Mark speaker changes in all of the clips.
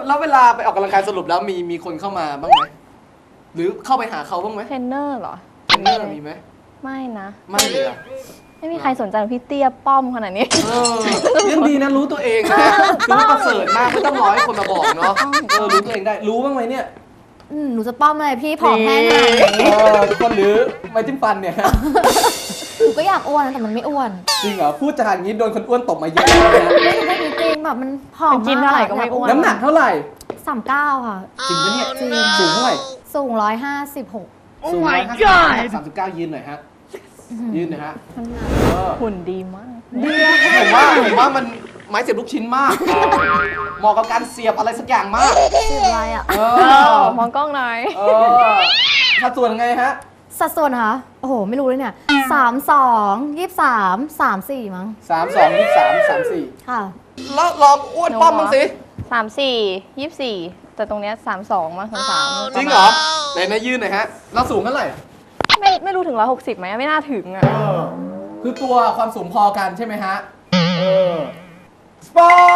Speaker 1: แล้วเวลาไปออกกำลังกายสรุปแล้วมีคนเข้ามาบ้างไหมหรือเข้าไปหาเขาบ้างไหม
Speaker 2: เทรนเนอร์เหรอ
Speaker 1: เทรนเนอร์มีไหม
Speaker 2: ไม่นะ
Speaker 1: ไม่เลยอะ
Speaker 2: ไม่มีใครสนใจพี่เตี้ยป้อมขนาดนี้
Speaker 1: ยังดีนะรู้ตัวเองนะถือว่าประเสริฐมากไม่ต้องรอให้คนมาบอกเนาะรู้ตัวเองได้รู้บ้างไหมเนี่ย
Speaker 3: หนูจะป้อมอะไรพี่ผอมแห้งขนาดนี้
Speaker 1: ทุกคนหรือไม้จิ้มฟันเนี่ย
Speaker 3: หนูก็อยากอ้วนนะแต่มันไม่อ้วน
Speaker 1: จริงเหรอพูดจาอย่างนี้โดนคนอ้วนตบมาเยอะแล้วนะ
Speaker 3: ไม่จริงแบบมันผอม
Speaker 2: กินเท่าไหร่ก็ไม่อ้วน
Speaker 1: น้ำหนักเท่าไหร่
Speaker 3: 39 ค่ะ
Speaker 1: จริงปะเนี่ย
Speaker 3: จริง
Speaker 1: สูงเท่าไหร่
Speaker 3: สูง156
Speaker 1: สูง159ยืนหน่อยฮะยืนหน่อยฮะ
Speaker 2: หุ่นดีมาก
Speaker 1: ผมว่ามันไม้เสียบลูกชิ้นมากเหมาะกับการเสียบอะไรสักอย่างมาก
Speaker 3: ชื่ออะไรอ่ะ
Speaker 2: มองกล้องหน่อย
Speaker 1: สัดส่วนไงฮะ
Speaker 3: สัดส่วนเหรอโอ้โห ไม่รู้เลยเนี่ย32 23 34 มั้ง
Speaker 1: 32 23 34
Speaker 3: ค่ะ
Speaker 1: แล้วลองอ้วนป้อมบ้างสิ
Speaker 2: 34 24แต่ตรงเนี้ย32มั้ง33
Speaker 1: จริงเหรอไหนนะยืนหน่อยฮะเราสูงเท่าไหร่
Speaker 2: ไม่รู้ถึง160ไหมไม่น่าถึงอ่ะ
Speaker 1: คือตัวความสูงพอกันใช่ไหมฮะสปอร์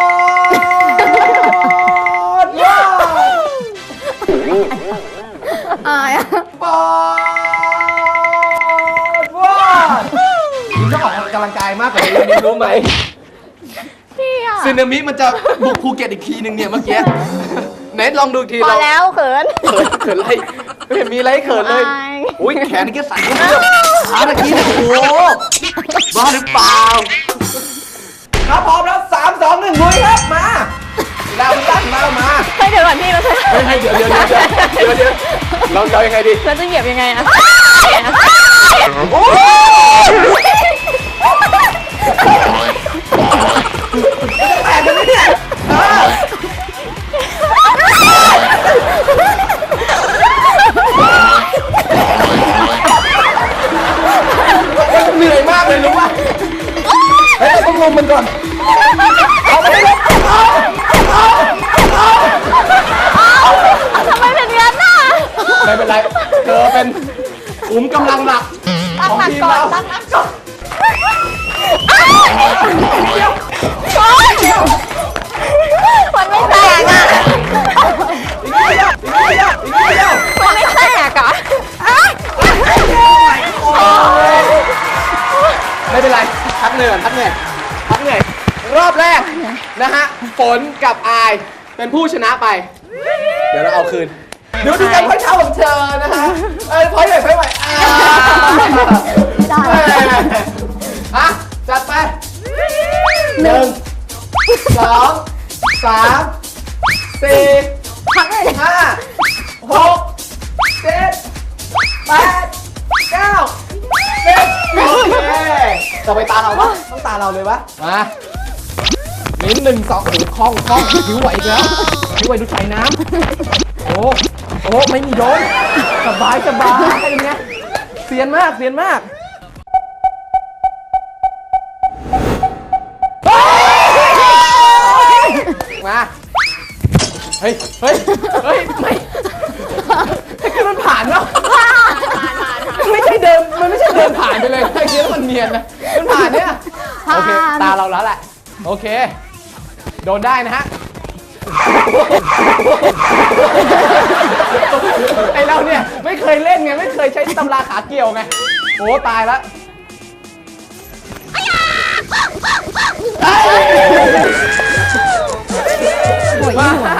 Speaker 1: ตว้าว
Speaker 3: อายอะ
Speaker 1: สปอร์ตว้าวคุณชอบออกกำลังกายมากกว่านี้นี่รู้ไหม
Speaker 2: พี่อ่ะ
Speaker 1: ซึนามิมันจะบุกภูเก็ตอีกทีหนึ่งเนี่ยเมื่อกี้ไหนลองดูอีกที
Speaker 2: พอแล้วเขิน
Speaker 1: เขินอะไรไม่เห็นมีอะไรให้เขินเลย
Speaker 2: อาย
Speaker 1: อุ้ยแขนนี่ก็สั่นเพื่อนขาตะกี้เนี่ยโอ้โหบ้าหรือเปล่าครับพร้อมแล้ว3 2 1ลุยครับมาเราตั้งเรามา
Speaker 2: ให้เดี๋ยวก่อนพี่เราจะ
Speaker 1: ให้เดี๋ยวเรายังไงดี
Speaker 2: เราจะเหยียบยังไงอะ
Speaker 1: โอ้แตกกันไหมเนี่ยเหนื่อยมากเลยรู้ป่ะเฮ้ยต้องลงมันก่อนเอาไปเลย
Speaker 2: ทำไมเป็นงั้นน่ะ
Speaker 1: ไม่เป็นไรเธอเป็นขุมกำลังหลักของทีมเรา
Speaker 2: ตั้งหลักก่อนมันไม่แตกอ่ะ
Speaker 1: อีกนิดเดียว
Speaker 2: มันไม่แตกอ่ะ
Speaker 1: ไม่เป็นไรพักเหนื่อยพักเหนื่อยรอบแรกนะฮะฝนกับอายเป็นผู้ชนะไป เดี๋ยวเราเอาคืนดูการพ้อยเท้าของเธอนะฮะพ้อยใหญ่พ้อยไหวอ่ะจัดไป1 2 3 4
Speaker 3: พักเลย
Speaker 1: 5 6 7 8 9 10โอเคต่อไปตาเราปะต้องตาเราเลยวะมาลิ้น1 2โอ้โหคล่องผิวไหวอีกแล้วผิวไหวดูใส่น้ำโอ้ไม่มีโดนสบายเป็นไงเซียนมากมาเฮ้ยไม่คือมันผ่านแล้วไม่ใช่เดินมันไม่ใช่เดินผ่านไปเลยไอ้เนี้ยมันเนียนนะมันผ่านเนี่ยโอเคตาเราแล้วแหละโอเคโดนได้นะฮะไอเราเนี่ยไม่เคยเล่นไงไม่เคยใช้ตำราขาเกี่ยวไงโอ้ตายแล้วมา